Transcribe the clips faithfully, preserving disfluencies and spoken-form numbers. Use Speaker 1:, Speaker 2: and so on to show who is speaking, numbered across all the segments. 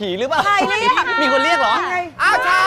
Speaker 1: ผีหรือเปล่า
Speaker 2: ใครเรียก
Speaker 1: มีคนเรียกเหรออ้าวชา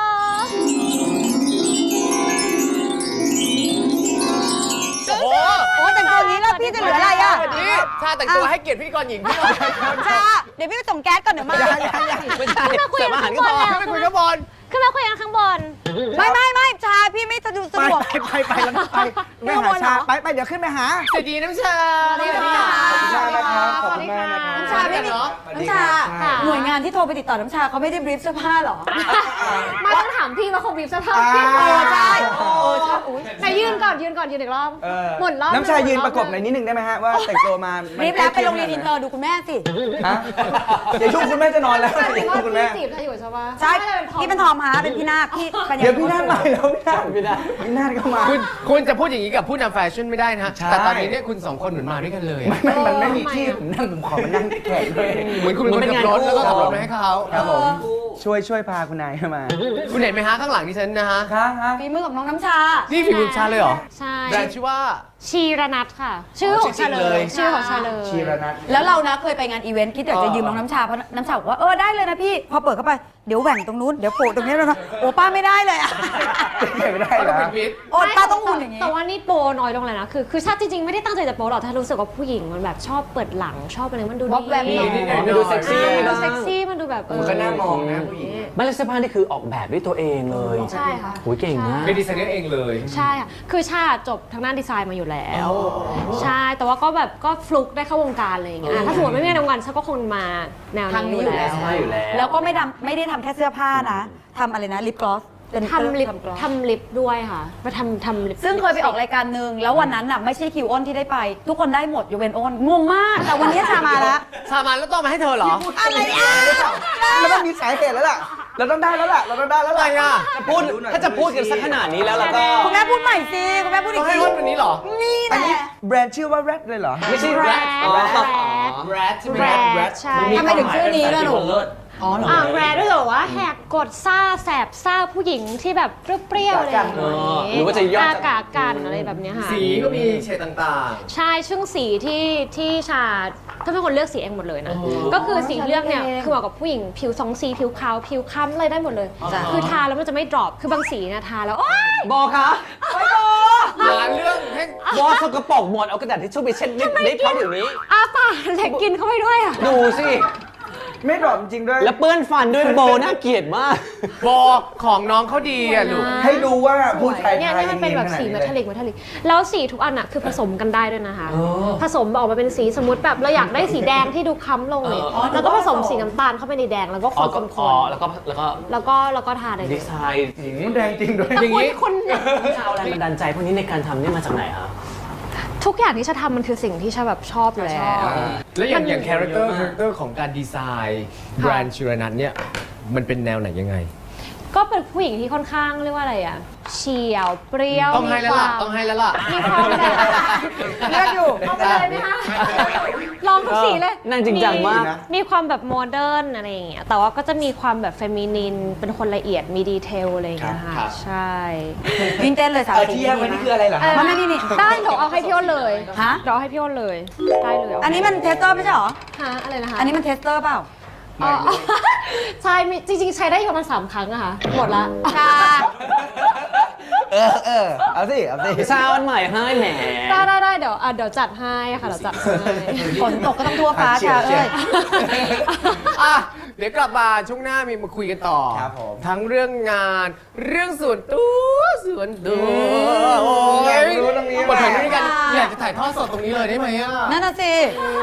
Speaker 1: โอ้โห
Speaker 2: โอ้แต่งตัวนี้แล้วพี่จะเหลืออะไรอ่ะ
Speaker 1: นี่ชาแต่งตัวให้เกียรติพิธีกรหญิงพี่หน่อย
Speaker 2: ชาเดี๋ยวพี่ไปส่งแก๊สก่อนเดี๋ยวมา
Speaker 1: ไม่ใช่เสิร์ฟอาหารก็พอไม่คุยกับบอล
Speaker 3: ขึ้นมาคุยกันข้างบน
Speaker 2: ไม่ไม่ไม่ชาพี่ไม่สะดวกสะ
Speaker 4: ไป
Speaker 2: ดวก
Speaker 4: ไปไปไปแล้วไปไม่หาชาไปไปเดี๋ยวขึ้นไปหา
Speaker 1: สวัสดีน้ำชา
Speaker 2: สวัสดีค่ะ
Speaker 4: ขอบคุณมากนะครับขอบคุณมากนะครับ
Speaker 2: น้ำชาไม่มีน้ำชาหน่วยงานที่โทรไปติดต่อน้ำชาเขาไม่ได้บรีฟเสื้อผ้าหรอ
Speaker 3: มาต้องถามพี่ว่าเขาบีบสภาพ
Speaker 4: อ่า
Speaker 3: พี่
Speaker 2: เออใช่เออใช่อุ้ย
Speaker 3: ไหนยืนก่อนยืนก่อนยืนอีกรอบ
Speaker 4: เออ
Speaker 3: หมุนรอบ
Speaker 4: น้ำชายืนประกบหน่อยนิดนึงได้ไหมฮะว่าแต่งตัวมา
Speaker 2: บรีฟแล้วไปโรงเรียนอินเตอร์ดูคุณแม่สิ
Speaker 4: ฮะเดี๋ยวช่วงคุณแม่จะนอนแล้ว
Speaker 3: แต่
Speaker 4: เดี๋ยว
Speaker 3: ว่า
Speaker 4: ช่วงคุณแม่
Speaker 3: พี่จีบเธออยู่ใช่ปะ
Speaker 2: ใช่พี่เป็นทอมฮะเป็นพี่นาคพี่ปัญญา
Speaker 4: เดี๋ยวพี่นาฏมาแล้วพี่นาฏพี่นาฏพี่นาฏก็มา
Speaker 1: คุณคุณจะพูดอย่างนี้กับผู้นำแฟชั่นไม่ได้นะ
Speaker 4: ใช่
Speaker 1: แต่ตอนนี้เนี่ยคุณสองคนเหมือนมาด้วยกันเลย
Speaker 4: ไม่ไม่มันไม่มีที่ผมนั่งผมขอมานั่งแขกด้วย
Speaker 1: เหมือนคุณเป็นคนขับรถแล้วก็ขับรถมาให้เขา
Speaker 4: ครับผมช่วยช่วยพาคุณนายเข้ามา
Speaker 1: คุณเห็นไหมฮะข้างหลังดิฉันนะฮะ
Speaker 4: ฮะฮะ
Speaker 2: ฝีมือของน้องน้ำชา
Speaker 1: นี่ฝีมือชาเลยเหรอ
Speaker 3: ใช่
Speaker 1: แบรนด์ชื่อว่า
Speaker 3: ชีรนัทค่ะ ชื่อของชาเลย ชื่อของชาเลย
Speaker 4: ชีรนัท
Speaker 2: แล้วเรานะเคยไปงานอีเวนต์คิดอยากจะยืมน้องน้ำชาเพราะน้ำชาบอกว่าเออได้เลยนะพี่พอเปิดเข้าไปเดี๋ยวแหว่งตรงนู้นเดี๋ยวโปะตรงนี้แล้วนะโอ้ป้าไม่ได้เลยอะ
Speaker 4: ไม่ได้
Speaker 1: ก็
Speaker 4: เหร
Speaker 1: ต้อง
Speaker 4: อ
Speaker 1: เป็นพิษ
Speaker 2: โอ้ป้าต้องหุ่นอย่างนี้
Speaker 3: แต่ว่านี่โปรน้อยลงเลยนะ คือคือชาจริงๆไม่ได้ตั้งใจจะโปรหรอกถ้ารู้สึกว่าผู้หญิงมันแบบชอบเปิดหลังชอบอะไรมันดู
Speaker 2: วอกแวม
Speaker 3: ดี
Speaker 1: นิดหน่อย
Speaker 5: มันดูเซ็กซี่
Speaker 3: มันดู
Speaker 5: บ้าง
Speaker 3: เซ็กซี่มันดูแบบเออ
Speaker 4: มันก็น่ามองนะผู้หญิง
Speaker 5: ไม่แล้วเสื้อผ้านี่คือออกแบบด้วยตัวเองเลย
Speaker 3: ใช่ค่ะ
Speaker 5: โหยเก่งมาก
Speaker 1: เป็นดีไซเนอร์เองเลย
Speaker 3: ใช่ค่ะ คือชาจบทางด้านดีไซน์มาอยู่แล้ว ใช่ แต่ว่าก็แบบก็ฟลุกได้เข้าวงการอะไรอย่างเงี้ยอ่ะถ้าสมมติไม่มีในวงการชาก็คงมาแนว
Speaker 2: ทางนี้
Speaker 3: นี้
Speaker 2: อ
Speaker 3: อยู่ ยู่
Speaker 2: แล้
Speaker 3: แล้ว ว
Speaker 5: ใช่อยู่แล้ว
Speaker 2: แล้วก็ไม่ทำไม่ได้ทำแค่เสื้อผ้านะทำอะไรนะลิปกลอสเป็น
Speaker 3: ทำลิป
Speaker 2: กลอส
Speaker 3: ทำลิปด้วยค่ะมาทำทำลิป
Speaker 2: ซึ่งเคยไปออกรายการหนึ่งแล้ววันนั้นน่ะไม่ใช่คิวอ้นที่ได้ไป ทุกคนได้หมดยกเว้นอ้นงงมาก แต่วันนี้ชามาแล้ว
Speaker 1: ชามันแล้วต้องมาให้เธอเหรอ
Speaker 2: อะไรอ่ะ
Speaker 4: มันต้องมีสาเหตุแล้วล่ะ เราต้องได้แล้วล่ะ เราต้องได้แล้ว
Speaker 1: อะไร
Speaker 4: ล่ะ
Speaker 1: อ่ะ
Speaker 5: จะพูดถ้าจะพูดกันสักขนาดนี้แล้วเราก็
Speaker 2: คุณแม่พูดใหม่สิคุณแม่พูด
Speaker 1: ต้
Speaker 2: อี
Speaker 1: อง
Speaker 2: ก
Speaker 1: ให้
Speaker 2: ที
Speaker 1: วันวันนี้เหรอ
Speaker 2: นี่แห
Speaker 4: อันนี้
Speaker 2: ละ
Speaker 4: แบรนด์ชื่อว่า Red เลยเหรอ
Speaker 5: ไม่ใช่
Speaker 3: แร
Speaker 5: แร
Speaker 3: ด
Speaker 5: ด
Speaker 3: แรด
Speaker 1: แรดใช่ไหม
Speaker 3: แร
Speaker 1: แร
Speaker 3: ด
Speaker 1: ด
Speaker 3: ใช่
Speaker 2: ทำไมถึงชื่อนี้ล่ะหนูอ๋อเหรอ
Speaker 3: อ่าแรดด้วยเหรอว่าแหกกดซ่าแสบซ่าผู้หญิงที่แบบเปรี้ยวๆอะไรอย่าง
Speaker 5: เอ
Speaker 3: เงี้
Speaker 5: อหรือว่าจะย่อ
Speaker 3: อา
Speaker 5: จาก
Speaker 3: กากันอะไรแบบเนี้ยค่ะ
Speaker 1: สีก็มีเฉดต่าง
Speaker 3: ใช่ซึ่งสีที่ที่ชาถ้าเป็นคนเลือกสีเองหมดเลยนะ ก็คือสีเลือกเนี่ยคือเหมาะกับผู้หญิงผิวสองสีผิวขาวผิวค้ำอะไรได้หมดเลย คือทาแล้วมันจะไม่ดรอปคือบางสีเนี่ยทาแล้วโอ๊ย
Speaker 5: บอคะ
Speaker 1: ๆหาเรื่องให้
Speaker 5: บอสกปรกหมดเอากระดาษทิชชู่ไปเช็ดลิปลิปเขาเดี๋ยวนี้
Speaker 3: อาปากแหลกกินเข้าไปด้วยอ่ะ
Speaker 5: ดูสิ
Speaker 4: ไม่ดรอปจริงๆด้วย
Speaker 5: แล้วเปื้อนฟันด้วยโบน่าเกลียดมาก
Speaker 1: โบของน้องเขาดีอ่ะลูก
Speaker 4: ให้ดูว่าผู้ชาย
Speaker 3: เนี่ย
Speaker 4: ไทย
Speaker 3: เนี่ยมันเป็นแบบสีเมทัลลิกเมทัลลิกแล้วสีทุกอันอะคือผสมกันได้ด้วยนะคะ ผสมออกมาเป็นสีสมมติแบบเราอยากได้สีแดงที่ดูค้ำลงเลยแล้วก็ผสมสีน้ำตาลเข้าไปในแดงแล้วก็ค
Speaker 5: อ๋อน ก็
Speaker 3: ค
Speaker 5: อ๋อน แล้วก็แล้วก็
Speaker 3: แล้วก็แล้วก็ทาได้เล
Speaker 5: ดี
Speaker 3: ย
Speaker 5: ไซน์
Speaker 4: หืมแดงจริงด้วย
Speaker 1: อย่างนี้
Speaker 3: คน
Speaker 5: เอาแรงบันดาลใจพวกนี้ในการทำนี่มาจากไหนครับ
Speaker 3: ทุกอย่างที่ชาทำมันคือสิ่งที่ชาแบบชอบอยู่แล้ว
Speaker 1: แล้วอย่างอย่างคาแรคเตอร์คาแรคเตอร์ของการดีไซน์แบรนด์ชิรนัทเนี่ยมันเป็นแนวไหนยังไง
Speaker 3: ก็เป็นผู้หญิงที่ค่อนข้างเรียกว่าอะไรอะเฉียวเปรี้ยว
Speaker 1: ต้องให้แล้วล่ะ
Speaker 3: มีความ
Speaker 1: ต้องให้แล้วล่ะ
Speaker 3: มีความแบบ
Speaker 2: เลือกอยู่
Speaker 3: เอาไปเลยไหมคะลองทุกสีเลย
Speaker 5: นั่งจริงจังมาก
Speaker 3: มีความแบบโมเดิร์นอะไรอย่างเงี้ยแต่ว่าก็จะมีความแบบเฟมินินเป็นคนละเอียดมีดีเทลอะไรอย่างเงี้ย
Speaker 1: ครั
Speaker 3: ค่ะ
Speaker 1: บ
Speaker 3: ใช่
Speaker 2: วินเต้นเลยสาว
Speaker 4: เออ
Speaker 2: สี
Speaker 4: ที่แยกไว้นี่คืออะไรเหรอ
Speaker 3: เออ
Speaker 2: มันไม่นี่นี่
Speaker 3: ได้เดี๋ยวเอาให้พี่อ้นเลย
Speaker 2: ฮะ
Speaker 3: เดี๋ยวเอาให้พี่อ้นเลยได้เลย
Speaker 2: อันนี้มันเทสเตอร์ไม่ใช่เหรอ
Speaker 3: ฮะอะไรนะคะ
Speaker 2: อันนี้มันเทสเตอร์เปล่า
Speaker 3: อ๋อใช่มีจริงๆ ใช้ได้อยู่ประมาณสามครั้งอะค่ะหมดละ
Speaker 2: ชา
Speaker 4: เออเออเอาสิ เอาสิ
Speaker 5: ซาวน์ใหม่ให้แหม
Speaker 3: ได้ได้ได้เดี๋ยวอ่ะเดี๋ยวจัดให้ค่ะเดี๋ยวจัดให้
Speaker 2: ฝนตกก็ต้องทั่วฟ้าชาเอ้ย
Speaker 1: อ่ะเดี๋ยวกลับมาช่วงหน้ามีมาคุยกันต่อ
Speaker 4: ครับผม
Speaker 1: ทั้งเรื่องงานเรื่องส่วนตัวส่วนตัวโอ้
Speaker 4: อยากรู้ตรงนี้
Speaker 1: มาถ่าย
Speaker 4: แหละ
Speaker 1: ด้วยกันอยากจะถ่ายทอดสดตรงนี้เลยได้ไหมอ่ะ
Speaker 2: นั่นน่ะสิ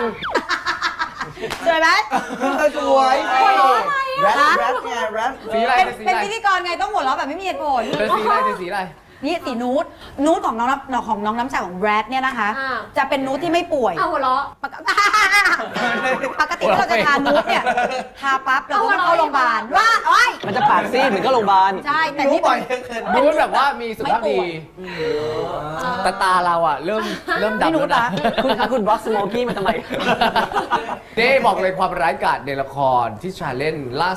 Speaker 2: สวยไหม
Speaker 4: เออสวยแรดแรดไงแรด
Speaker 1: สีอะไร
Speaker 2: เป็น
Speaker 1: สี
Speaker 2: เป็น
Speaker 1: อะไร
Speaker 2: พิธีกรไงต้องหัวเราะแบบไม่มีเหตุผล
Speaker 1: เธอสีอะไรเธอสีอะไร
Speaker 2: นี่สีนูดนูดของน้องน้ำของน้องน้ำชาของแบรดเนี่ยนะคะ
Speaker 3: อ่า
Speaker 2: จะเป็นนูดที่ไม่ป่วย
Speaker 3: เอาหัวเราะ
Speaker 2: ปกติปกติที่เราจะทานูดเนี่ยทาปั๊บเราก็ต้องเข้าโรงพยาบาลว่าโอ้ย
Speaker 5: มันจะปากซีดเหมือนก็โรงพยาบาล
Speaker 2: ใช่แต่
Speaker 4: รู้
Speaker 2: นี่
Speaker 4: บ่
Speaker 2: เป็
Speaker 4: อย
Speaker 2: น
Speaker 4: เกิน
Speaker 1: ดูแบบว่ามีสุขภาพดีแต่ตาเราอ่ะเริ่มเริ่ม
Speaker 2: ไม่
Speaker 1: ดำ
Speaker 2: รู้
Speaker 1: แล้ว
Speaker 2: นะ
Speaker 1: นะ
Speaker 5: คุณคะคุณบล็อกสโมกี้มาทำไม
Speaker 1: เด้บอกเลยความร้ายกาจในละครที่ชาเล่นล่าสุด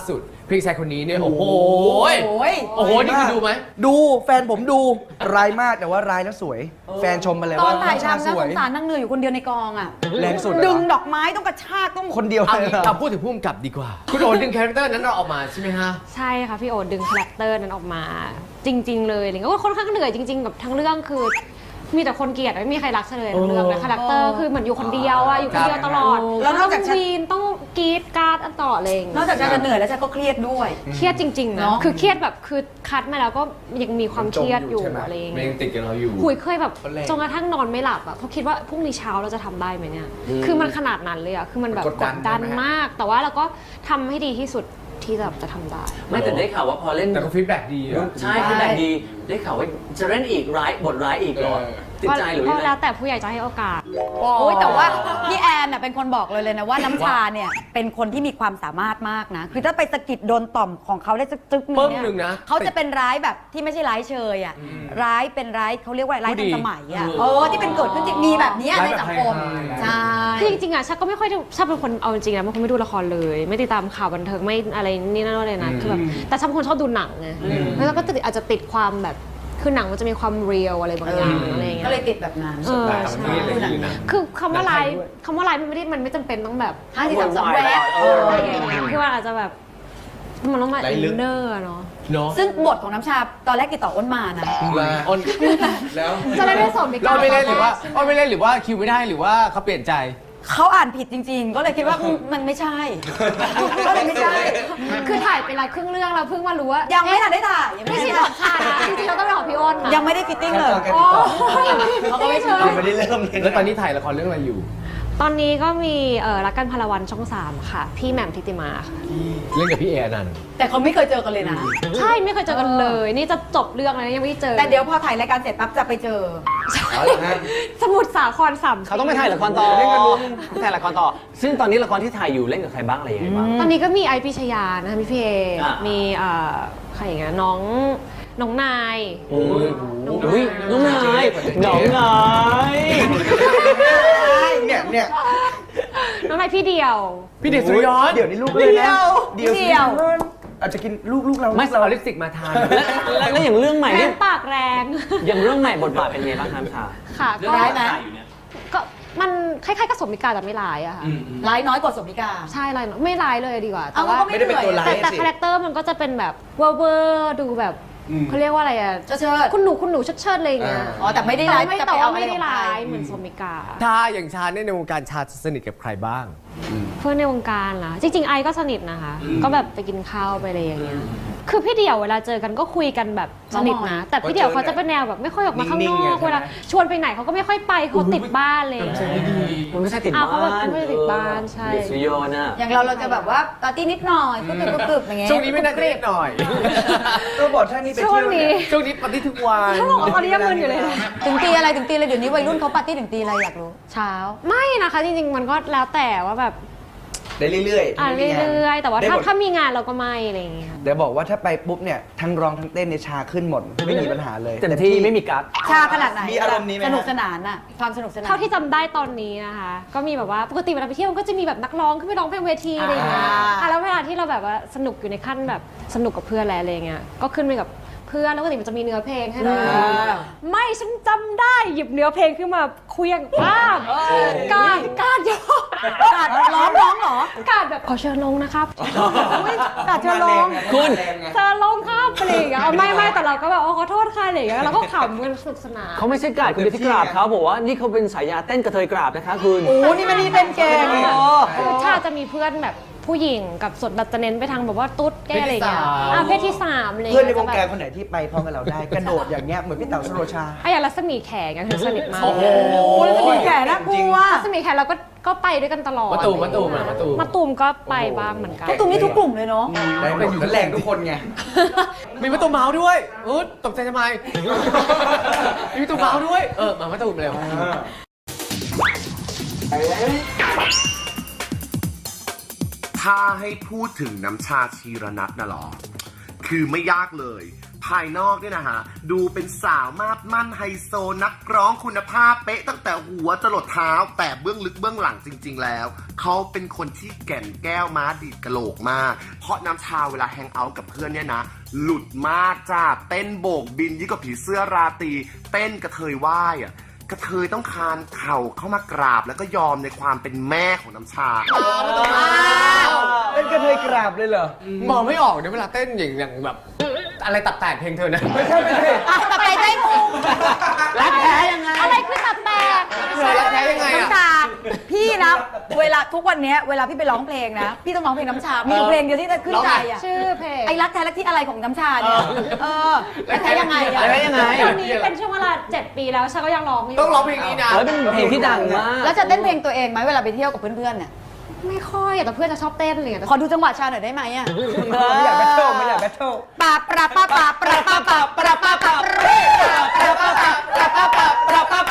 Speaker 1: พี่ชายคนนี้เนี่ยโอ้โห
Speaker 2: โอ้ย
Speaker 1: โอ้โหนี่คือดูไหม
Speaker 4: ดูแฟนผมดูร้ายมากแต่ว่าร้ายแล้วสวย แฟนชมมาเลย
Speaker 2: ตอ
Speaker 4: ว่าน
Speaker 2: ถ่าย
Speaker 4: น้ำชา
Speaker 2: ทำ
Speaker 4: ส
Speaker 2: นะ
Speaker 4: ว
Speaker 2: ส
Speaker 4: ย
Speaker 2: งสารนั่งเหนื่อยอยู่คนเดียวในกองอ่ะ
Speaker 4: แรงสุดอะ
Speaker 2: ดึงดอกไม้ต้องกระชากต้อง
Speaker 4: คนเดียว
Speaker 1: เอา
Speaker 4: เลย
Speaker 1: งี้
Speaker 4: เหรอ
Speaker 1: เอาพูดถึงผู้กำกับดีกว่า คุณโอ๊ตดึงคาแรคเตอร์นั้นเราออกมาใช่ไหมฮะ
Speaker 3: ใช่ค่ะพี่โอ๊ตดึงคาแรคเตอร์นั้นออกมา จริง ๆ เลยอะไรเงี้ยก็ค่อนข้างเหนื่อยจริงๆกับทั้งเรื่องคือ มีแต่คนเกลียดไม่มีใครรักเลยทั้งเรื่องนะคาแรคเตอร์คือเหมือนอยู่คนเดียวอะอยู่คนเดียวตลอด
Speaker 2: แล้วนอกจาก
Speaker 3: ต้องวีนต้องกรีดกราร์ดอันต่ออะไรอย่างเงี้ย
Speaker 2: นอกจากจะเหนื่อยแล้วจะก็เครียดด้วย
Speaker 3: เครียดจริงๆนะ
Speaker 2: เนอะ
Speaker 3: คือเครียดแบบคือคัดมาแล้วก็ยังมีความเครียดอยู่
Speaker 4: จมอยู่ใช่ไหม
Speaker 3: อะไรอย่าง
Speaker 1: มัน
Speaker 3: เงี้
Speaker 1: ยั
Speaker 3: ย
Speaker 1: งติดกับเราอยู่
Speaker 3: หุยเคยแบบ
Speaker 1: คนแรก
Speaker 3: จนกระทั่งนอนไม่หลับอะเพราะคิดว่าพรุ่งนี้เช้าเราจะทำได้ไหมเนี่ย คือมันขนาดนั้นเลยอะคือมันแบบ
Speaker 1: ก
Speaker 3: ก
Speaker 1: ดดัน
Speaker 3: ดดัน
Speaker 1: ใช่ไหมฮะ
Speaker 3: มาก แต่ว่าเราก็ทำให้ดีที่สุดที่แบบจะทำได้
Speaker 5: ไม่แต่ได้ข่าวว่าพอเล่น
Speaker 1: แต่ก็ฟีดแบ็กดีอะ
Speaker 5: ใช่คือแบบดีได้ข่าวว่าจะเล่นอีกร้ายบทร้ายอีกเหรอ
Speaker 1: เออ
Speaker 5: ติดใจหรือ
Speaker 3: ก็
Speaker 5: ยังไง
Speaker 3: แล้วแต่ผู้ใหญ่จะให้โอกาส
Speaker 2: โอ้ยแต่ว่าพี่แอนน่ะเป็นคนบอกเลยเลยนะว่าน้ำชาเนี่ยเป็นคนที่มีความสามารถมากนะ คือถ้าไปสะกิดโดนต่อมของเขาได้สักจึ๊กหนึง
Speaker 1: ปึ้ง
Speaker 2: เนี่ย
Speaker 1: หนึ่งนะ
Speaker 2: เขาจะเป็นร้ายแบบที่ไม่ใช่ร้ายเชยอ่ะร้ายเป็นร้ายเขาเรียกว่าร้าย
Speaker 1: ผู้
Speaker 2: ทั
Speaker 1: ดี
Speaker 2: นสมัยอ่ะ
Speaker 1: เออ
Speaker 2: เออที่เป็นเกิดขึ้นจริงมีแบบเนี้ย
Speaker 1: ร้าย
Speaker 2: ใน
Speaker 1: แบบ
Speaker 2: สังคม
Speaker 1: ไฮๆ
Speaker 2: ใช่
Speaker 3: คือจริงๆอะชาก็ไม่ค่อยได้ชาเป็นคนเอาจริงๆนะเป็นคนไม่ดูละครเลย ไม่ติดตามข่าวบันเทิงไม่อะไรนี่นั่นเลยนะคือแบบแต่ชาเป็นคนชอบดูหนังไงแล้วก็ติดอาจจะติดความแบบคือหนังมันจะมีความเรียลอะไรบางอย่างอะไรอย่างเงี้ย
Speaker 2: ก็เลยติดแบบนั้น
Speaker 3: เออ
Speaker 1: แต่ต่างประเทศอะไรอย่างนี้นะ
Speaker 3: คือคำว่าไลฟ์
Speaker 1: หนังไทยด้วย
Speaker 3: คำว่าไลฟ์มันไม่ได้มันไม่จำเป็นต้องแบบ
Speaker 2: ห้าสี่สามสองแวะ
Speaker 5: เอ
Speaker 2: เอ
Speaker 5: อ
Speaker 2: อ
Speaker 3: อะไรอย่างเงี้ยคือมันอาจจะแบบมันต้องมา
Speaker 1: ไร้
Speaker 3: อิ
Speaker 1: ลึก
Speaker 3: นเนอร์เนาะ
Speaker 1: เนาะ
Speaker 2: ซึ่งบทของน้ำชาตอนแรกติดต่ออ้นมานะ
Speaker 1: อ้นแล้ว
Speaker 3: จะเล่นได้สม
Speaker 1: เราไม่เล่นหรือว่าอ้นไม่เล่นหรือว่าคิวไม่ได้หรือว่าเขาเปลี่ยนใจ
Speaker 2: เขาอ่านผิดจริง ๆ ก็เลยคิดว่าอืมมันไม่ใช่ ก็เลยไม่ใช่
Speaker 3: คือถ่ายไปหลายครึ่งเรื่องเราเพิ่งมารู้ว่า
Speaker 2: ยังไม่ทันได้ถ่ายยัง
Speaker 3: ไม่
Speaker 2: ไม่
Speaker 3: ใช่
Speaker 2: ได้
Speaker 3: ของชานะจริงๆเราต้องไปของพี่อ้นนะ
Speaker 2: ยังไม่ได้ฟิตติ้งเลย
Speaker 3: โอ้ยังไม่ได้
Speaker 2: เขาก็ไม่
Speaker 3: ไม่
Speaker 2: เชิ
Speaker 3: เชิ
Speaker 2: ญ
Speaker 3: ญ
Speaker 4: ไม่ได้เริ่มเลย
Speaker 1: แล้วตอนนี้ถ่ายละครเรื่องอะไรอยู่
Speaker 3: ตอนนี้ก็มีเอ่อรักกันพลวันช่องสามค่ะ พี่แหม่มทิติมาค่ะ
Speaker 1: เล่นกับพี่เออนันต์
Speaker 2: แต่เขาไม่เคยเจอกันเลยนะ
Speaker 3: ใช่ไม่เคยเจอกันเลย นี่จะจบเรื่องแล้วนะยังไม่ได้เจอ
Speaker 2: แต่เดี๋ยวพอถ่ายรายการเสร็จปั๊บจะไปเจอ
Speaker 3: สมุทรสาครสาม
Speaker 5: เขาต้องไปถ่ายละครต่อเล่นกันลุงถ่ายละครต่อ ซึ่งตอนนี้ละครที่ถ่ายอยู่เล่นกับใครบ้างอะไรยังไงบ้าง
Speaker 3: ตอนนี้ก็มีไอพิชยานะคะมีพี่เอ
Speaker 5: อ่ะ
Speaker 3: มีเอ่อใครอย่างเงี้ยน้องน้องนาย
Speaker 5: โอ้ยอุ้ยน้องนายน้องนาย
Speaker 4: เนี่ยเนี่ย
Speaker 3: น้องนายพี่เดียว
Speaker 1: พี่เดชสุริยนต์
Speaker 4: เดี๋ยวนี้ลูกเลยนะ
Speaker 2: เดี่ยวเดี่ยว
Speaker 4: อาจจะกินลูกลูกเรา
Speaker 1: ไม่
Speaker 4: ลูกเรา
Speaker 1: เอาลิปสติกมาทาน
Speaker 5: แล้วแล้วอย่างเรื่องใหม่
Speaker 3: แร
Speaker 5: นี่
Speaker 3: งปากแรง
Speaker 5: อย่างเรื่องใหม่บทบาทเป็นไงบ้างครับชา
Speaker 3: ค่ะ
Speaker 5: เรื่อง
Speaker 3: ก็
Speaker 2: ร้ายไหม
Speaker 5: ถ่ายอยู่เนี่ย
Speaker 3: ก็มันคล้ายๆกับสมมิกาแต่ไม่ร้ายอะค่ะ
Speaker 2: ร้ายน้อยกว่าสมมิกา
Speaker 3: ใช่ร้ายไม่ร้ายเลยดีกว่า
Speaker 2: เอา
Speaker 3: แต่ว่า
Speaker 2: ก็ไม่
Speaker 4: ไม่ได้เป็นตัวร้าย
Speaker 3: แต่แต่
Speaker 4: สิ
Speaker 3: คาแรคเตอร์มันก็จะเป็นแบบเวอร์เวอร์ดูแบบเขาเรียกว่าอะไรอะ
Speaker 2: เชิดเชิด
Speaker 3: คุณหนูคุณหนูเชิดเชิดอะไรอย่างเงี้ย
Speaker 2: อ๋อแต่ไม่ได้
Speaker 3: แต่
Speaker 2: ร้าย
Speaker 3: ไม่
Speaker 2: จะ
Speaker 3: แต่
Speaker 2: ไป
Speaker 3: ว่า
Speaker 2: เอาอะไร
Speaker 3: ไม่ได้
Speaker 2: ของใคร
Speaker 3: ร้ายเหมือนสมมิกา
Speaker 1: ชาอย่างชาเนี่ยในวงการชาสนิทกับใครบ้าง
Speaker 3: เพื่อนในวงการล่ะจริง ๆ ไอก็สนิทนะคะ ก็แบบไปกินข้าวไปอะไรอย่างเงี้ยคือพี่เดี่ยวเวลาเจอกันก็คุยกันแบบสนิทนะ แต่พี่เดี่ยวเขาจะเป็นแนวแบบไม่ค่อยออกมาข้างนอกเวลาชวนไปไหนเขาก็ไม่ค่อยไปเขาติดบ้านเลย
Speaker 5: มันไม่ใช่ติด
Speaker 3: อ่ะ
Speaker 5: บ้าน
Speaker 3: เขาแบบไม่ได้ติดบ้านใช่
Speaker 5: เด็กสุริยนต์น่ะ
Speaker 2: อย่างเราเราจะแบบว่าปาร์ตี้นิดหน่อยกึบกึบกึบอย่างเงี้ย
Speaker 1: ช่วงนี้ไม่น่าจะเรียบหน่อย
Speaker 4: ก็บอกท่านนี้ไป
Speaker 3: ช่ว
Speaker 4: เที่
Speaker 3: ง
Speaker 4: ยว
Speaker 3: นี้
Speaker 1: ช่วงนี้ปฏิทุกวัน
Speaker 3: เขาบอกว่าตอนนี้ยังมึนอยู่เลยนะ
Speaker 2: ถึงตีอะไรถึงตีอะไรเดี๋ยวนี้วัยรุ่นเขาปาร์ตี้ถึงตีอะไรอยากรู้ เช้า
Speaker 3: ไม่นะคะจริงๆมันก็แล้วแต่ว่าแบบ
Speaker 4: ได้เรื่อยๆ
Speaker 3: อ่า
Speaker 4: ไม่มีงาน
Speaker 3: เรื่อยๆแต่ว่า
Speaker 4: ได้
Speaker 3: ถ้า
Speaker 4: หมด
Speaker 3: ถ้ามีงานเราก็ไม่อะไรอย่างเงี้ย
Speaker 4: เดี๋ยวบอกว่าถ้าไปปุ๊บเนี่ยทั้งร้องทั้งเต้นในยชาขึ้นหมด ไม่มีปัญหาเลย
Speaker 5: เต็มที่ไม่มีกั๊ก
Speaker 2: ชาขนาดไหน
Speaker 4: มีอารมณ์นี้ไหมฮะ
Speaker 2: สนุกสนานอะความสนุกสนาน
Speaker 3: เท่าที่จำได้ตอนนี้นะคะ ก็มีแบบว่าปกติเวลาไปเที่ยวมันก็จะมีแบบนักร้องขึ้นไปร้องเพลงเวทีอะไรอย่างเงี้ย
Speaker 2: อ่า
Speaker 3: อ่ะแล้วเวลาที่เราแบบว่าสนุกอยู่ในขั้นแบบสนุกกับเพื่อนแล้วอะไรเงี้ยก็ขึ้นไปกับเพื่อนแล้วปกติมันจะมีเนื้อเพลงให้ด้วยไม่ฉันจำได้หยิบเนื้อเพลงขึ้นมาเคลี้ยงป้ามการการโยก
Speaker 2: กาดร้องร้องเหรอ
Speaker 3: การแบบขอเชิญลงนะครับอุ๊ยการเชิญลง
Speaker 5: คุณ
Speaker 3: เชิญลงครับอะไรอย่างเงี้ยเอาไม่ไม่แต่เราก็แบบอ๋อขอโทษค่ะอะไรอย่างเงี้ยเราก็ขำกันสนุกสนาน
Speaker 5: เขาไม่ใช่กราดคุณไปที่กราบเขาบอกว่านี่เขาเป็นสายยาเต้นกระเทยกราบนะคะคุณ
Speaker 2: โอ้นี่มันนี่เป็นเกม
Speaker 3: คือถ้าจะมีเพื่อนแบบผู้หญิงกับส่วนแบบจะเน้นไปทางแบบว่าตุ๊ดแกอะไรอย่างเงี้ย
Speaker 1: เพศที่สาม
Speaker 3: อ่ะเพศที่สามอะไร
Speaker 4: เพื่อนในวง
Speaker 3: จะ
Speaker 4: การ
Speaker 3: แบบ
Speaker 4: คนไหนที่ไปพร้อมกับเราได้ กระโดดอย่างเงี้ยเหมือนพี่เต๋าสโรชา
Speaker 3: ไอ้อย่างรัศมีแขกอะคือสนิทมาก
Speaker 1: โอ้โห
Speaker 2: แล้วจะมีแก่น่ากลัว
Speaker 3: รัศมีแขกเราก็ก็ไปด้วยกันตลอด
Speaker 1: มะตูมมะตูมอะมะตูม
Speaker 3: มะตูมก็ไปบ้างเหมือนกัน
Speaker 2: พวกตุ้มนี่ทุกกลุ่มเลยเนาะ
Speaker 4: ได้หมดแล้วแรงทุกคนไง
Speaker 1: มีมะตูมเมาส์ด้วยอุ๊ยตกใจทำไม มีมะตูมเมาส์ด้วย เออ มามะตูมเร็ว
Speaker 6: ถ้าให้พูดถึงน้ำชาชีรนัทน่ะเหรอ คือไม่ยากเลย ภภายนอกเนี่ยนะฮะดูเป็นสาวมาดมั่นไฮโซนักร้องคุณภาพเป๊ะตั้งแต่หัวจรดเท้าแต่เบื้องลึกเบื้องหลังจริงๆแล้วเขาเป็นคนที่แก่นแก้วม้าดีดกะโหลกมากเพราะน้ำชาเวลาแฮงเอาท์กับเพื่อนเนี่ยนะหลุดมากจ้าเต้นโบกบินยิ่งกว่าผีเสื้อราตรีเต้นกระเทยว่ายอ่ะกระเทยต้องคานเข่าเข้ามากราบแล้วก็ยอมในความเป็นแม่ของน้ำชา
Speaker 4: เป็นกระเทยกราบเลยเหรอ
Speaker 1: มองไม่ออกเนี่ยเวลาเต้นอย่างอย่างแบบ อะไรตับแตกเพลงเธอนะ
Speaker 4: ไม่ใช่ไม่ใช่
Speaker 2: อ่ะตับไตไส้พุง
Speaker 1: รักแท้ยังไง
Speaker 3: อะไรคือตับแตก
Speaker 1: เธอรักแท้ยังไง
Speaker 2: น้ำ
Speaker 1: อะ
Speaker 2: ชาพี่นะเวลาทุกวันเนี้ยเวลาพี่ไปร้องเพลงนะพี่ต้องร้องเพลงน้ำชา มีอยู่เพลงเดียวที่จะขึ้นใจอ่ะ
Speaker 3: ชื่อเพลง
Speaker 2: ไอ้รักแท้รักที่อะไรของน้ำชาเนี่ยเออรักแท้ยังไงอะ
Speaker 5: รักแท้ยังไง
Speaker 3: ตอนนี้เป็นช่วงเวลาเจ็ดปีแล้วฉันก็ยังร้องอยู่
Speaker 1: ต้องร้องเพลงนี้นะ
Speaker 5: เฮ้ยเป็นเพลงที่ดังมาก
Speaker 2: แล้วจะเต้นเพลงตัวเองไหมเวลาไปเที่ยวกับเพื่อนๆเนี่ย
Speaker 3: ไม่ค่อยแต่เพื่อนจะชอบเต้นอะไรอย่างเงี้ย
Speaker 2: ขอดูจังหวะชาหน่อยได้ไหมอ่ะ
Speaker 4: ไม่อยากแบทเทิลไม่อยากแบทเทิล
Speaker 2: ปาปราปาปาปราปาปาปราปาปาปราปาปาปราปาปาปราปาปาปราปาปาปราปาปาปราปาปาปราปาปา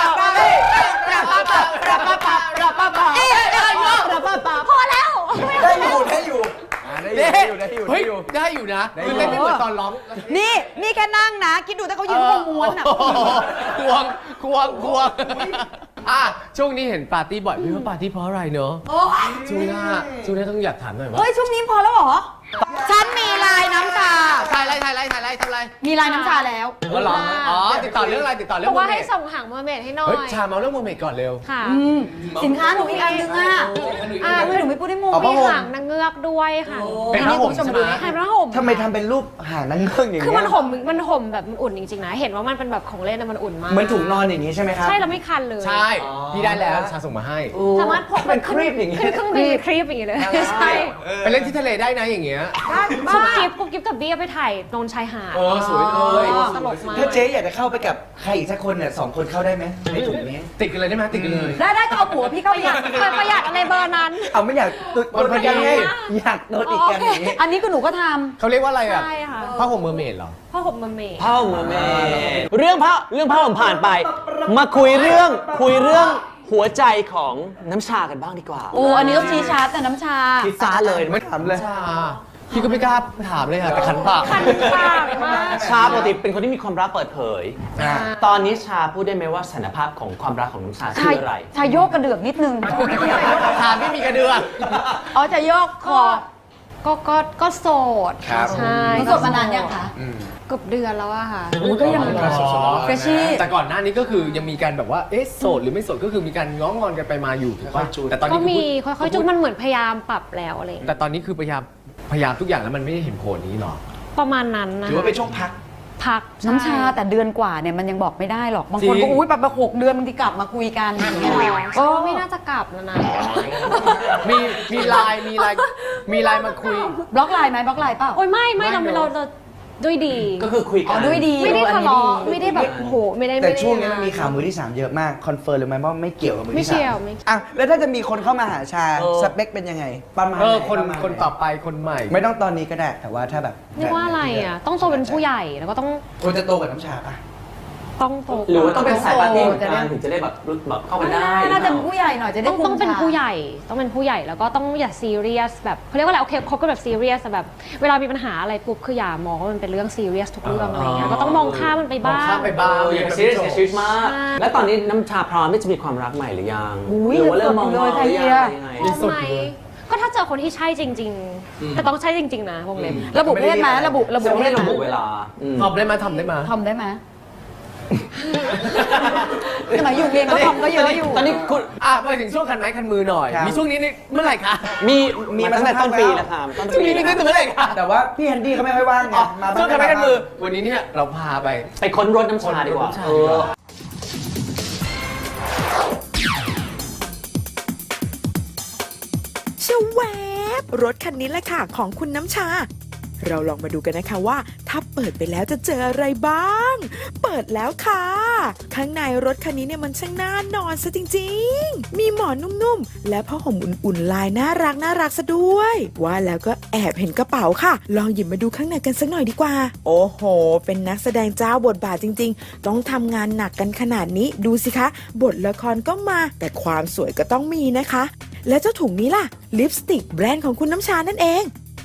Speaker 2: ปาพอแล้ว
Speaker 4: ได้อยู่ได้อยู่ได้อยู่ได้อยู่ได้
Speaker 1: เฮ้ย
Speaker 4: อยู่
Speaker 1: ได้อยู่นะคือเต้นไม่เหมือนตอนร้อง
Speaker 2: นี่นี่แค่นั่งนะ คิดดูถ้าเขายืนวงม้วนอ่ะ
Speaker 1: ควงควงควงอ่ะช่วงนี้เห็นปาร์ตี้บ่อยไม่รู้ปาร์ตี้เพราะอะไรเนอะช่วงหน้าช่วงหน้าต้องอยากถามหน่อยว่า
Speaker 2: เฮ้ยช่วงนี้พอแล้วเหรอ ฉันมีลายน้ำชา
Speaker 1: ถ่ายอะไรถ่ายอะไรถ่ายอะไรทำอะไร
Speaker 2: มีลายน้ำชาแล้ว
Speaker 1: ก็ร้องอ๋อติดต่อเรื่องอะไรติดต่อเรื่
Speaker 3: บ
Speaker 1: อ
Speaker 3: อง กว่า
Speaker 1: เม
Speaker 3: ให้
Speaker 1: ด
Speaker 3: ส่งหางเมอร์เมดให้หน่อ
Speaker 1: เฮ้ย
Speaker 3: ย
Speaker 1: ชาเมาเรื่องโมเมดก่อนเร็ว
Speaker 3: ค่ะ
Speaker 2: อืมสินค้าหนูอีกอันนึงอ่ะ
Speaker 3: อ่า
Speaker 2: ทำไมหนูไม่พูดให้มู
Speaker 4: เอาผ้า
Speaker 3: มี
Speaker 4: ห่ม
Speaker 3: หางนางเงือกด้วยค่ะ
Speaker 1: เป็นผ้าห่มใช่ไหม
Speaker 3: ใช่เป็นผ้าห่ม
Speaker 4: ทำไมทำเป็นรูปหางนั่งเงือกอย่าง
Speaker 3: คือ
Speaker 4: เงี้
Speaker 3: มัน
Speaker 4: ย
Speaker 3: ห่มมันห่มแบบมันอุ่นจริงๆนะ เห็นว่ามันเป็นแบบของเล่นนะมันอุ่นมาก
Speaker 4: เหมือนถุงนอนอย่างนี้ใช่ไหมครับ
Speaker 3: ใช่แล้วไม่คันเลย
Speaker 1: ใช่พี่ได้แล้วชาส่งมาให้
Speaker 3: สามารถพก
Speaker 5: เป็นครีปอย่างเงี้ย
Speaker 3: ขึ้นเครื่องบินครีปอย่างเงี้ยเลยใช่
Speaker 1: ไปเล่นที่ทะเลได้นะอย่างเงี้ย
Speaker 3: กุ๊บกิ๊บกุ๊บกิ๊บกับเบี้ยไปถ่ายตรงชายหาด
Speaker 1: เออสวยเลย
Speaker 3: ตลกมาก
Speaker 4: ถ้าเจ๊อยากจะเข้าไปกับใครอีกสักคนเนี่ยสองคนเข้าได้ไหมในถุงนี้
Speaker 1: ติดกันเลยได้ไหมติดกันเลย
Speaker 2: ได้ได้ก็เอาผัวพี่เข้า
Speaker 3: ประ
Speaker 2: ไป
Speaker 3: หยัดประหยัดอะไรเบอร์นั้น
Speaker 4: เอาไม่อยากตัวตัวประกันไงอยากโดนอีกกันอย่างนี้
Speaker 2: อันนี้ก็หนูก็ท
Speaker 1: เขาเรียกว่าอะไรอ่ะ
Speaker 3: ใช่ค่ะ
Speaker 1: ผ้าห่มเมอร์เมดเหรอ
Speaker 3: ผ้าห่มเมอร์เมด
Speaker 5: ผ้าห่มเมดเรื่องผ้าเรื่องผ้าห่มผ่านไป มาคุยเรื่องคุยเรื่องหัวใจของน้ำชากันบ้างดีกว่า
Speaker 2: ำโอ้อันนี้ต้องชี้ชาร์จแต่น้ำชา
Speaker 5: คิดซาเลย
Speaker 4: ไม่ถามเลย
Speaker 1: ชาพี่ก็ไม่กล้าถามเลยค่ะแต่คันปาก
Speaker 3: คันปากมาก
Speaker 5: ชาปกติเป็นคนที่มีความรักเปิดเผย
Speaker 4: อ่า
Speaker 5: ตอนนี้ชาพูดได้ไหมว่าสถานภาพของความรักของน้ำชาคืออะไร
Speaker 2: ชาโยกกระเดือกนิดนึง
Speaker 1: ถามไม่มีกระเดือก
Speaker 2: อ๋อจะโยกคอ
Speaker 3: ก็ก็ก็โสด
Speaker 1: ครับ
Speaker 3: ใช่
Speaker 2: หนูโสดมานานยังคะ
Speaker 3: เกือบเดือนแล้วอะค่ะ
Speaker 2: โอ้ก็ยัง
Speaker 1: เฟรชชี่แต่ก่อนหน้านี้ก็คือยังมีการแบบว่าเอ๊ะโสดหรือไม่โสดก็คือมีการง้องอนกันไปมาอยู่ถูกป่ะแต่ตอนนี้
Speaker 3: ก็
Speaker 1: คือ
Speaker 3: มี
Speaker 1: พูด
Speaker 3: ค่อยๆจุดมันเหมือนพยายามปรับแล้วอะไรอย่าง
Speaker 1: แต่
Speaker 3: เงี้ย
Speaker 1: ตอนนี้คือพยายามพยายามทุกอย่างแล้วมันไม่ได้เห็นผลนี้หรอ
Speaker 3: ประมาณนั้นนะ
Speaker 4: ถือว่าเป็นช่วงพัก
Speaker 3: พัก
Speaker 2: น้ำชาแต่เดือนกว่าเนี่ยมันยังบอกไม่ได้หรอก บางคน
Speaker 1: จริ
Speaker 2: ก็
Speaker 1: ง
Speaker 2: อุ้ยแบบหกเดือนบางทีกลับมาคุยกันอย่างเงี้ย
Speaker 3: ก็ไม่น่าจะกลับแล้วนะ
Speaker 1: มีมีไลน์มีไลน์มีไลน์มาคุย
Speaker 2: บล็อกไลน์ไหมบล็อกไลน์เปล่า
Speaker 3: โอ้ยไม่ไม่เรา
Speaker 1: ไม่
Speaker 3: เรา
Speaker 1: เนอะ
Speaker 3: เราด้วยดี
Speaker 5: ก็คือคุยกั
Speaker 2: อ๋อน ด้วยดี
Speaker 3: ไม่ได้
Speaker 2: ออ
Speaker 3: ทะ
Speaker 2: อันนี้
Speaker 3: เลาะ
Speaker 2: ดี
Speaker 3: ไม่ได้แบบโอ้โหไม่ได้
Speaker 4: แต่
Speaker 3: ไม่ได้
Speaker 4: ช่วงนี้มันมีข่าวมือที่สามเยอะมากคอนเฟิร์มเลยไหมว่าไม่เกี่ยวกับมือ
Speaker 3: ไม่
Speaker 4: ที่สา
Speaker 3: เกี่ยว
Speaker 4: ม
Speaker 3: ไม่
Speaker 4: อ่ะแล้วถ้าจะมีคนเข้ามาหาชา
Speaker 5: เออ
Speaker 4: สเปคเป็นยังไงประมาณ
Speaker 1: เออ
Speaker 4: ไห
Speaker 1: คน
Speaker 4: ประมาณ
Speaker 1: คน
Speaker 4: ไห
Speaker 1: ต่อไปคนใหม่
Speaker 4: ไม่ต้องตอนนี้ก็ได้แต่ว่าถ้าแบบ
Speaker 3: เรียกว่าอะไรอ่ะ ต้องโตเป็นผู้ใหญ่แล้วก็ต้อง
Speaker 4: ควรจะโตกับน้ำชาป่ะ
Speaker 3: ต้องโต
Speaker 5: หรือว่าต้องเป็นสายปาร์ตี้เหมือน
Speaker 2: จะได้
Speaker 5: กันถึงจะได้แบบรู้แบบเข้ากันได้
Speaker 2: น่าจะเป็นผู้ใหญ่หน่อยจะได้
Speaker 3: ต้อง
Speaker 2: คุม
Speaker 3: ต้องเป็น
Speaker 2: ชา
Speaker 3: ผู้ใหญ่ ต้องเป็นผู้ใหญ่แล้วก็ต้องอย่าซีเรียสแบบเขาเรียกว่าอะไรโอเคคบกันแบบซีเรียสแบบ เวลามีปัญหาอะไรปุ๊บคืออย่ามองว่ามันเป็นเรื่องซีเรียสทุกเรื่องอะไรเงี้ยก็ต้องมองข้ามมันไป
Speaker 1: มอง
Speaker 3: บ้าง
Speaker 1: ข้ามไปบ้าง
Speaker 5: เอออย่าไปซีเรียสกับชีวิตมาก
Speaker 3: ใช่
Speaker 5: แล้วตอนนี้น้ำชาพร้อมที่จะมีความรักใหม่หรือยัง
Speaker 2: อุ้ย
Speaker 5: หรือว่าเริ่มมอง
Speaker 2: เล
Speaker 5: ๆห
Speaker 2: ย
Speaker 5: รือ
Speaker 2: ไทย
Speaker 5: ยัง
Speaker 2: เดีย
Speaker 5: ยังไง
Speaker 1: มีสุด
Speaker 3: ไหม
Speaker 1: อยู่เลย
Speaker 3: ก็ถ้าเจอคนที่ใช่จริง ๆ แต่ต้องใช่จริง ๆ นะวงเล็บ
Speaker 2: ระบุเพศไหมระบุระบุ
Speaker 5: จะ
Speaker 2: เพ
Speaker 5: ไม่ได้
Speaker 2: ศไหม
Speaker 5: ระบุเวลาอืม
Speaker 1: ทำได้ไหมทำได้ไหม
Speaker 2: ทำได้ไหมสมัยอยู่เรียนก็ทำก็เยอะอยู่
Speaker 5: ตอนนี้คุณ
Speaker 1: อ่ะมาถึงช่วงคันไม้คันมือหน่อย
Speaker 4: ครับ
Speaker 1: มีช่วงนี้นี่เมื่อไหร่คะ
Speaker 5: มี
Speaker 4: มี
Speaker 5: มี
Speaker 4: มา
Speaker 5: มาตั้งแต่
Speaker 4: สักพัก
Speaker 5: ต้นปี
Speaker 4: แล้ว
Speaker 5: แล้วครับต้น
Speaker 1: ช่วง
Speaker 5: ปี
Speaker 1: นี้นี่ตั้งแต่เมื่อไหร่คะ
Speaker 4: แต่ว่าพี่แฮนดี้เขาไม่ค่อยว่างไง
Speaker 1: อ๋อ
Speaker 4: มา
Speaker 1: ช่วงคันไม้คันมือ วันนี้เนี่ยเราพาไป
Speaker 5: ไปค้นรถน้ำชาดีกว่า
Speaker 1: ค้นรถน้ำชา
Speaker 5: เอ
Speaker 1: ดีก
Speaker 5: อ
Speaker 1: ว่า
Speaker 7: ชะแวบรถคันนี้แหละค่ะของคุณน้ำชา เราลองมาดูกันนะคะว่า ถ้าเปิดไปแล้วจะเจออะไรบ้าง เปิดแล้วค่ะ ข้างในรถคันนี้เนี่ยมันช่างน่านอนซะจริงๆ มีหมอนนุ่มๆ และผ้าห่มอุ่นๆลายน่ารักน่ารักซะด้วย ว่าแล้วก็แอบเห็นกระเป๋าค่ะ ลองหยิบมาดูข้างในกันสักหน่อยดีกว่า โอ้โห เป็นนักแสดงเจ้าบทบาทจริงๆ ต้องทำงานหนักกันขนาดนี้ดูสิคะ บทละครก็มา แต่ความสวยก็ต้องมีนะคะ และเจ้าถุงนี้ล่ะลิปสติกแบรนด์ของคุณน้ำชานั่นเอง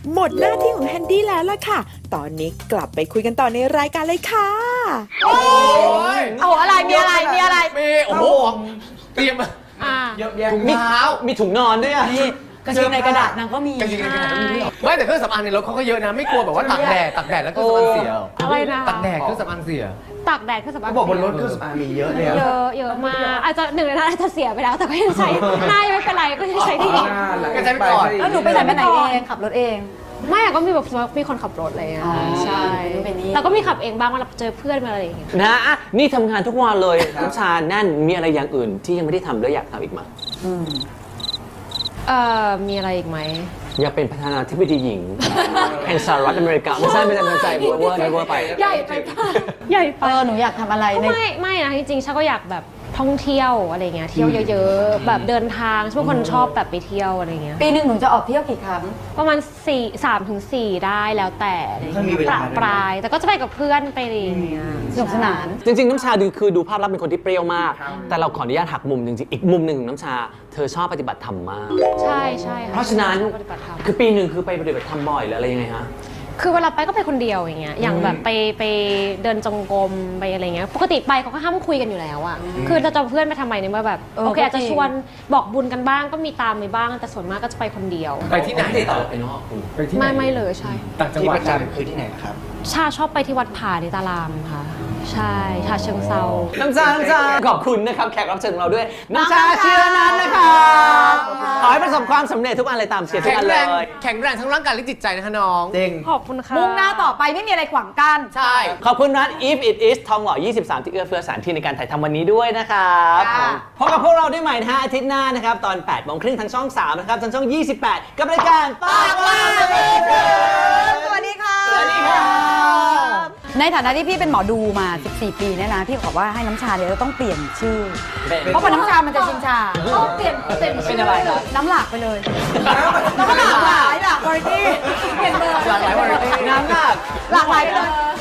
Speaker 7: หมดหน้าที่ของแฮนดี้แล้วล่ะค่ะ ตอนนี้กลับไปคุยกันต่อในรายการเลยค่ะ
Speaker 1: โอ้ย
Speaker 2: เอาอะไรมีอะไรมีอะไร
Speaker 1: มีโอ้โหเตรียมมา
Speaker 3: อ่า
Speaker 4: เยอะแยะ
Speaker 1: ถุงเท้า
Speaker 5: มีถุงนอนด้วยอ่ะ
Speaker 2: นี่กระเช้าในกระดาษนางก็มี
Speaker 1: กางเกงในกระดาษก็มีด้วยเหรอไม่แต่เครื่องสำอางในรถเขาก็เยอะนะ ไม่กลัวแบบว่าตากแดดตากแดดแล้วเครื่องสำอางเสีย
Speaker 3: อะไรนะ
Speaker 1: ตากแดดเครื่องสำอางเสีย
Speaker 3: ตากแดดคือสำหรับ
Speaker 4: เขาบอกบนรถเครื่องสำอางมีเยอะเลยอะ
Speaker 3: เยอะเยอะมากอาจจะหนึ่งในนั้นอาจจะเสียไปแล้วแต่ก็ยังใช้หน้ายังไม่เป็นไรก็ยังใช้ได้ดี
Speaker 1: ก็ใช้ไปก่อน
Speaker 2: แล้วหนูไปไหนไปไหนเองขับรถเอง
Speaker 3: ไม่อะก็มีแบบมีคนขับรถอะไรอย่างเงี้ย
Speaker 2: อ๋อ
Speaker 3: ใช่
Speaker 2: เป็นนี่
Speaker 3: แต่ก็มีขับเองบ้างเวลาเจอเพื่อนมาอะไรอย่างเงี้ย
Speaker 5: นะอ่ะนี่ทำงานทุกวันเลยน้ำชาแน่นมีอะไรอย่างอื่นที่ยังไม่ได้ทำแล้วอยากทำอีกไหม
Speaker 2: อืม
Speaker 3: เอ่อมีอะไรอีกไหม
Speaker 5: อยากเป็นประธานาธิบดีหญิงแห่งสหรัฐอเมริกาไม่ใช่ไม่ใช่ไม่ใช่เวอร์เวอร์เวอร์ไป
Speaker 3: ใหญ่ไปป่ะใหญ่ไป
Speaker 2: เออหนูอยากทำอะไรใน
Speaker 3: ไม่ไม่นะจริงๆฉันก็อยากแบบท่องเที่ยวอะไรเงี้ยเที่ยวเยอะๆแบบเดินทางฉันเป็นคนชอบแบบไปเที่ยวอะไรเงี้ย
Speaker 2: ปีหนึ่งหนูจะออกเที่ยวกี่ครั้ง
Speaker 3: ประมาณสี่สามถึงสี่ได้แล้วแต่อะไรเงี้ย
Speaker 4: ถ้ามีเว
Speaker 3: ป
Speaker 4: ลา
Speaker 3: ระปรายแต่ก็จะไปกับเพื่อนไปอะไรอย่างเงี้ย
Speaker 2: สนุกสนาน
Speaker 5: จริงๆ น้ำชาดูคือดูภาพลักษณ์เป็นคนที่เปรี้ยวมาก แต่เราขออนุญาตหักมุมจริงๆ อีกมุมหนึ่งของน้ำชา เธอชอบปฏิบัติธรรมมาก
Speaker 3: ใช่ใช่ค่
Speaker 5: เพราะฉะนั้น
Speaker 3: ชอบปฏิบัติธรรม
Speaker 5: คือปีหนึ่งคือไปปฏิบัติธรรมบ่อยหรืออะไรยังไงฮะ
Speaker 3: คือเวลาไปก็ไปคนเดียวอย่างเงี้ย อย่างแบบไปไปเดินจงกรมไปอะไรเงี้ย ปกติไปเขาก็ห้ามคุยกันอยู่แล้วอะคือเราจะเอาเพื่อนไปทำไมในเมื่อแบบ
Speaker 2: เออ
Speaker 3: โอเค
Speaker 2: ก็
Speaker 3: อาจจะ
Speaker 2: จริง
Speaker 3: ชวนบอกบุญกันบ้างก็มีตามไปบ้าง แต่ส่วนมากก็จะไปคนเดียว
Speaker 1: ไปที่ไหน
Speaker 5: ไม่ได้ต่อไปนอกคุณ
Speaker 1: ไปที่ไหน
Speaker 3: ไม่ไม่เลยใช่
Speaker 1: ต่างจัง
Speaker 4: ที่
Speaker 1: หวั
Speaker 4: ป
Speaker 1: ด
Speaker 4: ระจำคือที่ไหนครับ
Speaker 3: ชาชอบไปที่วัดผาในตารามค่ะ ใช่ชาเชิงเซา
Speaker 5: น้ำชา น้ำชา ขอบคุณนะครับ แขกรับเชิญของเราด้วย น้ำชาเชียร์นั้นนะครับขอให้ประสบความสำเร็จทุกอันเลยตามเชียร์ทุก
Speaker 1: แข็
Speaker 5: อั
Speaker 1: ง
Speaker 5: น
Speaker 1: แร
Speaker 5: เล
Speaker 1: ง
Speaker 5: ย
Speaker 1: แข็งแรงทั้งร่างกายและจิตใจนะคะน้อง
Speaker 4: จริง
Speaker 3: ขอบคุณค่ะ
Speaker 2: มุ่งหน้าต่อไปไม่มีอะไรขวางกัน
Speaker 1: ใช่
Speaker 5: ขอบคุณร้าน If It Is ทองหล่อ ยี่สิบสาม ที่เอื้อเฟื้อสถานที่ในการถ่ายทำวันนี้ด้วยนะครับ
Speaker 2: ค่ะ
Speaker 5: พบกับพวกเราได้ใหม่นะฮะอาทิตย์หน้านะครับ ตอนแปดโมงครึ่งทางช่องสามนะครับ ทางช่อง ยี่สิบแปด กับรายการปากว่าเด็ก
Speaker 2: สวัสดีค่ะ
Speaker 5: สวัสดีครับ
Speaker 2: ในฐานะที่พี่เป็นหมอดูมา สิบสี่ ปีเนี่ยนะ พี่บอกว่าให้น้ำชาเนี่ยจะต้องเปลี่ยนชื่อ
Speaker 5: เป็น
Speaker 2: เพราะพอน้ำชามันจะชินชา
Speaker 3: ต้องเปลี่ยนเปลี่ยน
Speaker 5: เป็นอะไรครับ
Speaker 2: น้ำหลากไปเลยน้ำหลากหลายหลากวาไรตี้เปลี่ยนเบอร์
Speaker 1: หลากหลายวาไรตี้
Speaker 5: น้ำหนัก
Speaker 2: หลากหลายไปเลย